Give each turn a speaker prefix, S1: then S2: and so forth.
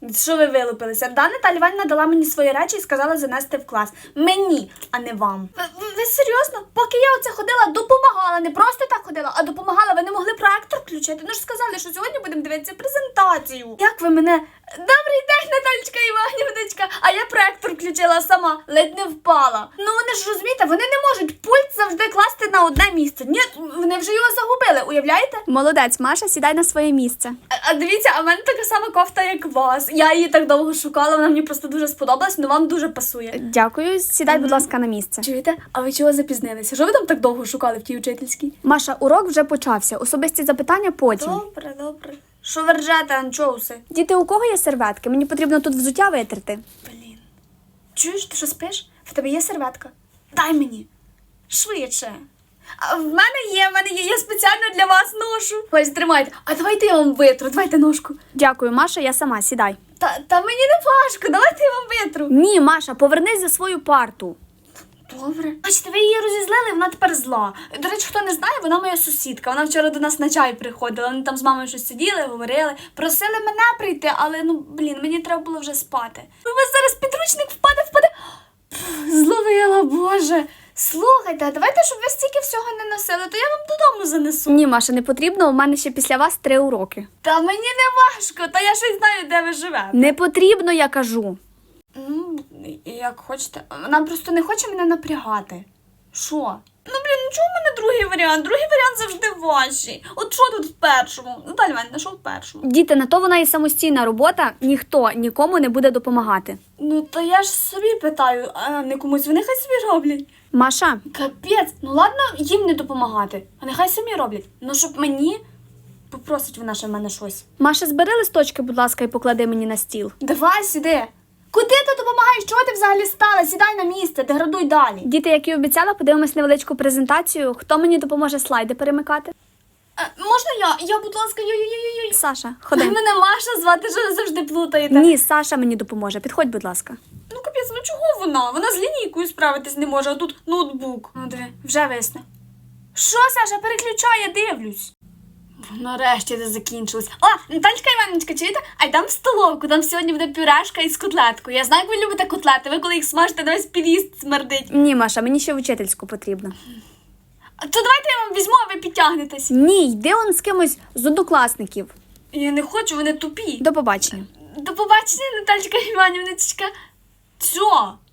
S1: Що ви вилупилися? Наталя Іванівна дала мені свої речі і сказала занести в клас. Мені, а не вам. Ви серйозно? Поки я оце ходила, допомагала. Не просто так ходила, а допомагала. Ви не могли проектор включити? Ну ж сказали, що сьогодні будемо дивитися презентацію. Як ви мене... Добрий день, Наталечка Іванівночка. А я проектор включила сама, ледь не впала. Ну вони ж розумієте, вони не можуть пульт завжди класти на одне місце. Ні, вони вже його загубили, уявляєте?
S2: Молодець, Маша, сідай на своє місце.
S1: А дивіться, а в мене така сама кофта, як у вас. Я її так довго шукала, вона мені просто дуже сподобалась, але вам дуже пасує.
S2: Дякую, сідай, будь ласка, на місце.
S1: Чуєте? А ви чого запізнилися? Що ви там так довго шукали в тій учительській?
S2: Маша, урок вже почався. Особисті запитання потім.
S1: Добре. Що ви ржете, анчоуси?
S2: Діти, у кого є серветки? Мені потрібно тут взуття витерти.
S1: Блін. Чуєш, ти що спиш? В тебе є серветка? Дай мені. Швидше. А в мене є, я спеціально для вас ношу. Ось, тримайте. А давайте я вам витру, давайте ножку.
S2: Дякую, Маша, я сама, сідай.
S1: Та мені не важко, давайте я вам витру.
S2: Ні, Маша, повернись за свою парту.
S1: Добре. Бачите, ви її розізлили, вона тепер зла. До речі, хто не знає, вона моя сусідка. Вона вчора до нас на чай приходила. Вони там з мамою щось сиділи, говорили. Просили мене прийти, але, мені треба було вже спати. У вас зараз підручник впаде. Зловила, Боже. Слухайте, а давайте, щоб ви стільки всього не носили, то я вам додому занесу.
S2: Ні, Маша, не потрібно, у мене ще після вас 3 уроки.
S1: Та мені не важко, та я щось знаю, де ви живете.
S2: Не потрібно, я кажу.
S1: Ну, як хочете. Вона просто не хоче мене напрягати. Що? Ну, чому в мене другий варіант? Другий варіант завжди важчий. От що тут в першому? Наталя Іванівна, що в першому?
S2: Діти, на то вона і самостійна робота, ніхто нікому не буде допомагати.
S1: Ну, то я ж собі питаю, а не комусь. Вони хай собі роблять.
S2: Маша,
S1: Капець, ну ладно їм не допомагати, а нехай самі роблять. Ну, щоб мені попросить вона ще в мене щось.
S2: Маша, збери листочки, будь ласка, і поклади мені на стіл.
S1: Давай сюди. Куди ти допомагаєш? Чого ти взагалі стала? Сідай на місце, деградуй далі.
S2: Діти, як і обіцяла, подивимось невеличку презентацію. Хто мені допоможе слайди перемикати?
S1: Можна я, будь ласка, йой.
S2: Саша, ходи.
S1: Мене Маша звати, що ви завжди плутаєте.
S2: Ні, Саша мені допоможе. Підходь, будь ласка.
S1: Ну, капець, ну чого вона? Вона з лінійкою справитись не може, а тут ноутбук. Ну, диви, вже висне. Що, Саша, переключай, я дивлюсь. Нарешті це закінчилось. О, Наталечка Іванівночка, чуєте? А йдемо в столовку, там сьогодні буде пюрешка із котлеткою. Я знаю, як ви любите котлети, ви коли їх смажите, на весь під'їзд смердить.
S2: Ні, Маша, мені ще в учительську потрібно.
S1: То давайте я вам візьму, а ви підтягнетесь.
S2: Ні, йди он з кимось з однокласників.
S1: Я не хочу, вони тупі.
S2: До побачення.
S1: До побачення, Наталечка Іванівночка. Що?